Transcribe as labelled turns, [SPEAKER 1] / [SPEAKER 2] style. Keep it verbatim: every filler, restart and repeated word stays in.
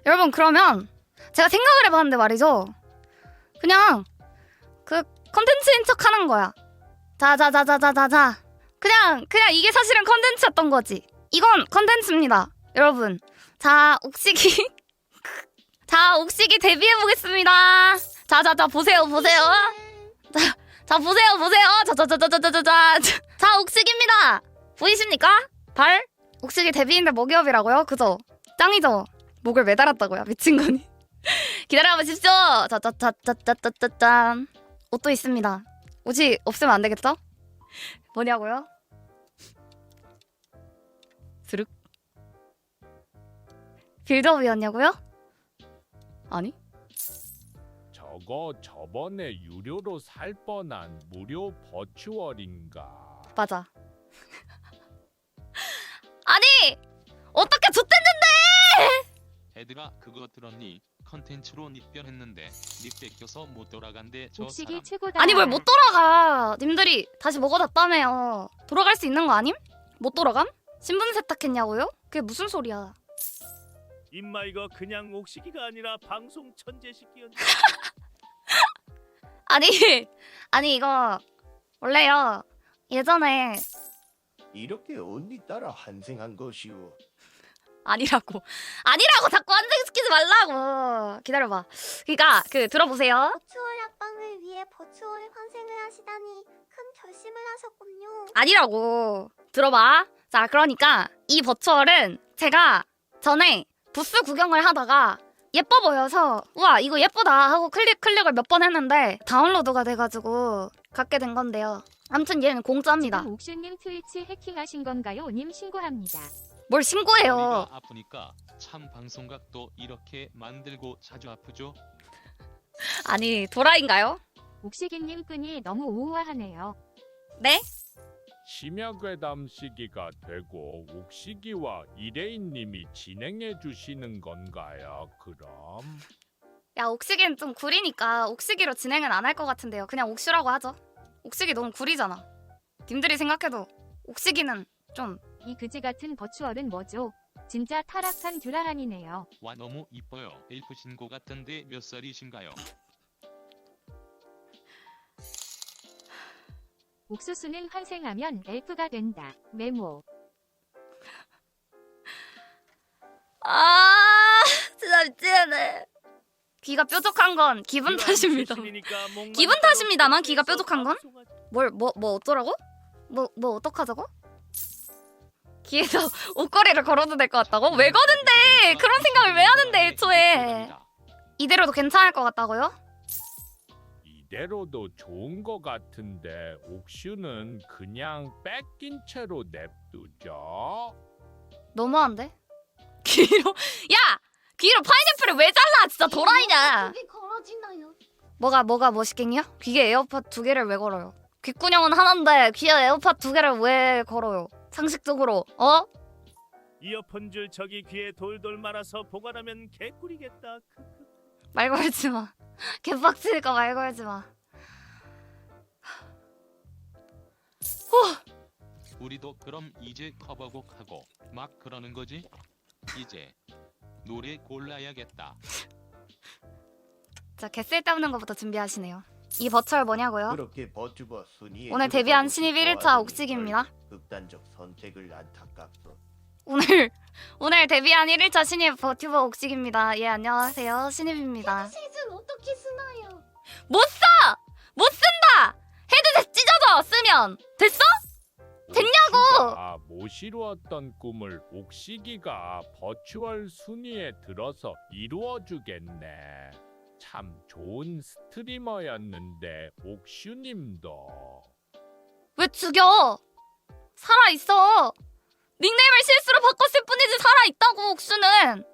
[SPEAKER 1] 여러분 그러면 제가 생각을 해봤는데 말이죠. 그냥 그 컨텐츠인 척 하는 거야. 자자자자자자자. 그냥 그냥 이게 사실은 컨텐츠였던 거지. 이건 컨텐츠입니다. 여러분. 자 옥식이 자 옥식이 데뷔해보겠습니다. 자자자 보세요 보세요. 자, 자 보세요 보세요. 자자자자자자자. 자 옥식입니다. 보이십니까? 발? 옥식이 데뷔인데 먹이업이라고요? 그죠? 짱이죠? 목을 매달았다고요? 미친 거니? 기다려보십시오. 자자자자자자짠. 옷도 있습니다. 옷이 없으면 안 되겠죠? 뭐냐고요? 스륵. 빌드업이었냐고요? 아니?
[SPEAKER 2] 저거 저번에 유료로 살 뻔한 무료 버추얼인가?
[SPEAKER 1] 맞아. 아니! 어떻게 좆됐는데!
[SPEAKER 3] 애들아 그거 들었니? 컨텐츠로 닉변했는데 닉 뺏겨서 못 돌아간대 저
[SPEAKER 4] 옥식이
[SPEAKER 3] 사람.
[SPEAKER 4] 최고다.
[SPEAKER 1] 아니 뭘 못 돌아가. 님들이 다시 먹어놨다며요. 돌아갈 수 있는 거 아님? 못 돌아감? 신분 세탁했냐고요? 그게 무슨 소리야.
[SPEAKER 5] 임마 이거 그냥 옥시기가 아니라 방송 천재 시끼였네.
[SPEAKER 1] 아니 아니 이거 원래요. 예전에
[SPEAKER 6] 이렇게 언니 따라 환생한 것이오.
[SPEAKER 1] 아니라고 아니라고 자꾸 환생시키지 말라고. 기다려봐. 그니까 그 들어보세요.
[SPEAKER 7] 버추얼 합방을 위해 버추얼 환생을 하시다니 큰 결심을 하셨군요.
[SPEAKER 1] 아니라고. 들어봐. 자 그러니까 이 버추얼은 제가 전에 부스 구경을 하다가 예뻐 보여서 우와 이거 예쁘다 하고 클릭 클릭을 몇 번 했는데 다운로드가 돼가지고 갖게 된 건데요. 아무튼 얘는 공짜입니다.
[SPEAKER 4] 지금 옥슈님 트위치 해킹하신 건가요? 님 신고합니다.
[SPEAKER 1] 뭘 신고해요.
[SPEAKER 3] 머리가 아프니까 참 방송각도 이렇게 만들고 자주 아프죠?
[SPEAKER 1] 아니 도라인가요?
[SPEAKER 4] 옥시기님 끈이 너무 우아하네요.
[SPEAKER 1] 네?
[SPEAKER 2] 심야괴담 시기가 되고 옥시기와 이레인님이 진행해 주시는 건가요? 그럼
[SPEAKER 1] 야 옥시기는 좀 구리니까 옥시기로 진행은 안 할 것 같은데요. 그냥 옥슈라고 하죠. 옥시기 너무 구리잖아. 님들이 생각해도 옥시기는 좀
[SPEAKER 4] 이 그지 같은 버추얼은 뭐죠? 진짜 타락한 듀라란이네요.
[SPEAKER 3] 와 너무 이뻐요. 엘프 신고 같은데 몇 살이신가요?
[SPEAKER 4] 옥수수는 환생하면 엘프가 된다. 메모.
[SPEAKER 1] 아 진짜 미치겠네. 귀가 뾰족한 건 기분 탓입니다. 기분 탓입니다만 귀가 뾰족한 건? 뭘 뭐 뭐 어쩌라고? 뭐 뭐 어떡하자고? 귀에서 옷걸이를 걸어도 될 것 같다고? 왜 거는데? 그런 생각을 왜 하는데 애초에? 이대로도 괜찮을 것 같다고요?
[SPEAKER 2] 이대로도 좋은 거 같은데 옥슈는 그냥 뺏긴 채로 냅두죠?
[SPEAKER 1] 너무한데? 귀로 야! 귀로 파인애플을 왜 잘라? 진짜 도라이냐?
[SPEAKER 7] 그게 걸어지나요?
[SPEAKER 1] 뭐가 뭐가 멋있겠냐? 귀에 에어팟 두 개를 왜 걸어요? 귓구녕은 하나인데 귀에 에어팟 두 개를 왜 걸어요? 상식적으로 어?
[SPEAKER 5] 이어폰 줄 저기 귀에 돌돌 말아서 보관하면 개꿀이겠다. 크크.
[SPEAKER 1] 말 걸지 마. 개빡치니까 말 걸지 마.
[SPEAKER 3] 우리도 그럼 이제 커버곡 하고 막 그러는 거지? 이제 노래 골라야겠다.
[SPEAKER 1] 자, 개쓸 때없는 것부터 준비하시네요. 이 버추얼 뭐냐고요?
[SPEAKER 6] 그렇게 버튜버 순위에
[SPEAKER 1] 오늘 데뷔한
[SPEAKER 6] 들어가고
[SPEAKER 1] 신입
[SPEAKER 6] 싶어
[SPEAKER 1] 일 일차
[SPEAKER 6] 하더니
[SPEAKER 1] 옥식입니다.
[SPEAKER 6] 극단적 선택을 안타깝소.
[SPEAKER 1] 오늘 오늘 데뷔한 일 일차 신입 버튜버 옥식입니다. 예 안녕하세요 신입입니다.
[SPEAKER 7] 셋은 어떻게 쓰나요?
[SPEAKER 1] 못 써! 못 쓴다! 헤드셋 찢어져 쓰면 됐어? 됐냐고!
[SPEAKER 2] 옥시가 못 이루었던 꿈을 옥시기가 버추얼 순위에 들어서 이루어주겠네. 참 좋은 스트리머였는데 옥슈님도
[SPEAKER 1] 왜 죽여? 살아있어. 닉네임을 실수로 바꿨을 뿐이지 살아있다고 옥수는.